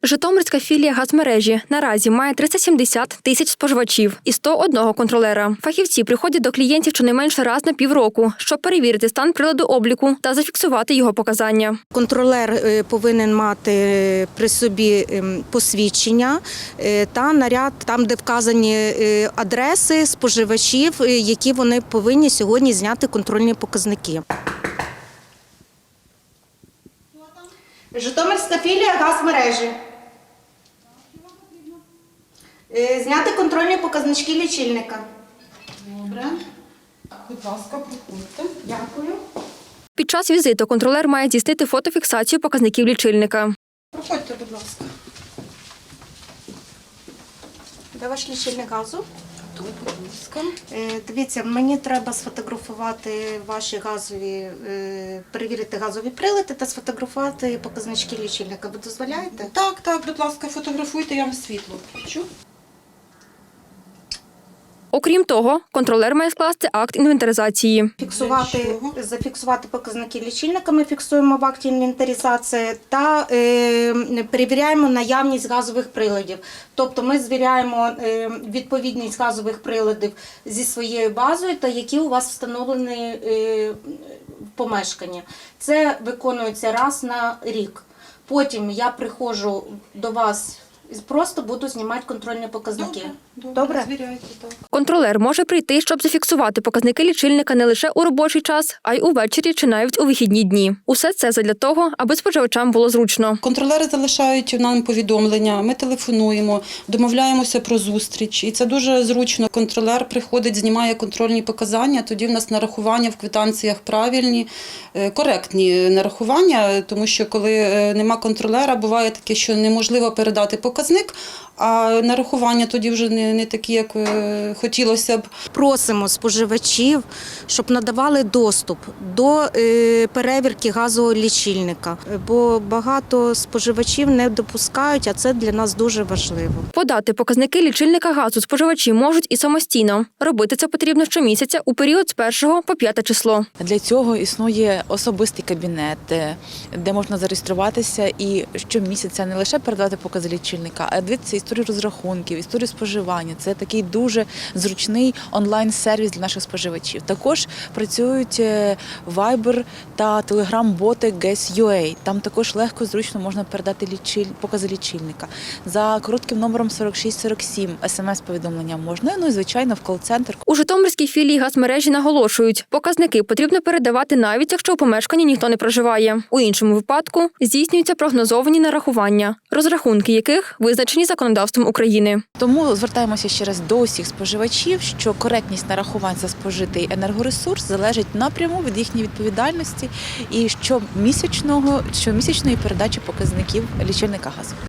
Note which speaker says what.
Speaker 1: Житомирська філія газмережі наразі має 370 тисяч споживачів і 101 контролера. Фахівці приходять до клієнтів щонайменше раз на півроку, щоб перевірити стан приладу обліку та зафіксувати його показання.
Speaker 2: Контролер повинен мати при собі посвідчення та наряд, там, де вказані адреси споживачів, які вони повинні сьогодні зняти контрольні показники. Житомирська філія газмережі. Зняти контрольні показнички лічильника.
Speaker 3: Добре. Будь ласка, проходьте.
Speaker 2: Дякую.
Speaker 1: Під час візиту контролер має здійснити фотофіксацію показників лічильника.
Speaker 3: Проходьте, будь ласка.
Speaker 2: Де ваш лічильник газу?
Speaker 3: Тут, будь ласка.
Speaker 2: Дивіться, мені треба сфотографувати ваші газові, перевірити газові прилади та сфотографувати показнички лічильника. Ви дозволяєте?
Speaker 3: Так, будь ласка, фотографуйте, я вам світло включу.
Speaker 1: Окрім того, контролер має скласти акт інвентаризації.
Speaker 2: Зафіксувати показники лічильника, ми фіксуємо в акті інвентаризації та перевіряємо наявність газових приладів. Тобто ми звіряємо відповідність газових приладів зі своєю базою та які у вас встановлені в помешканні. Це виконується раз на рік. Потім я приходжу до вас і просто буду знімати контрольні показники.
Speaker 3: Добре. Звіряйте, так.
Speaker 1: Контролер може прийти, щоб зафіксувати показники лічильника не лише у робочий час, а й увечері чи навіть у вихідні дні. Усе це задля того, аби споживачам було зручно.
Speaker 3: Контролери залишають нам повідомлення, ми телефонуємо, домовляємося про зустріч. І це дуже зручно. Контролер приходить, знімає контрольні показання, тоді в нас нарахування в квитанціях правильні, коректні нарахування, тому що коли нема контролера, буває таке, що неможливо передати показник, а нарахування тоді вже не такі, як хотілося б.
Speaker 2: Просимо споживачів, щоб надавали доступ до перевірки газового лічильника, бо багато споживачів не допускають, а це для нас дуже важливо.
Speaker 1: Подати показники лічильника газу споживачі можуть і самостійно. Робити це потрібно щомісяця у період з 1 по 5 число.
Speaker 4: Для цього існує особистий кабінет, де можна зареєструватися і щомісяця не лише передавати покази лічильника, а дивитися історію розрахунків, історію споживання. Це такий дуже зручний онлайн-сервіс для наших споживачів. Також працюють Viber та Telegram-боти Gas.ua. Там також легко, зручно можна передати покази лічильника. За коротким номером 4647 смс-повідомлення можна, ну і, звичайно, в кол-центр.
Speaker 1: У Житомирській філії газмережі наголошують, показники потрібно передавати навіть, якщо у помешканні ніхто не проживає. У іншому випадку здійснюються прогнозовані нарахування, розрахунки яких визначені законодавством України.
Speaker 4: Тому звертаємося ще раз до усіх споживачів, що коректність нарахувань за спожитий енергоресурс залежить напряму від їхньої відповідальності і щомісячної передачі показників лічильника газу.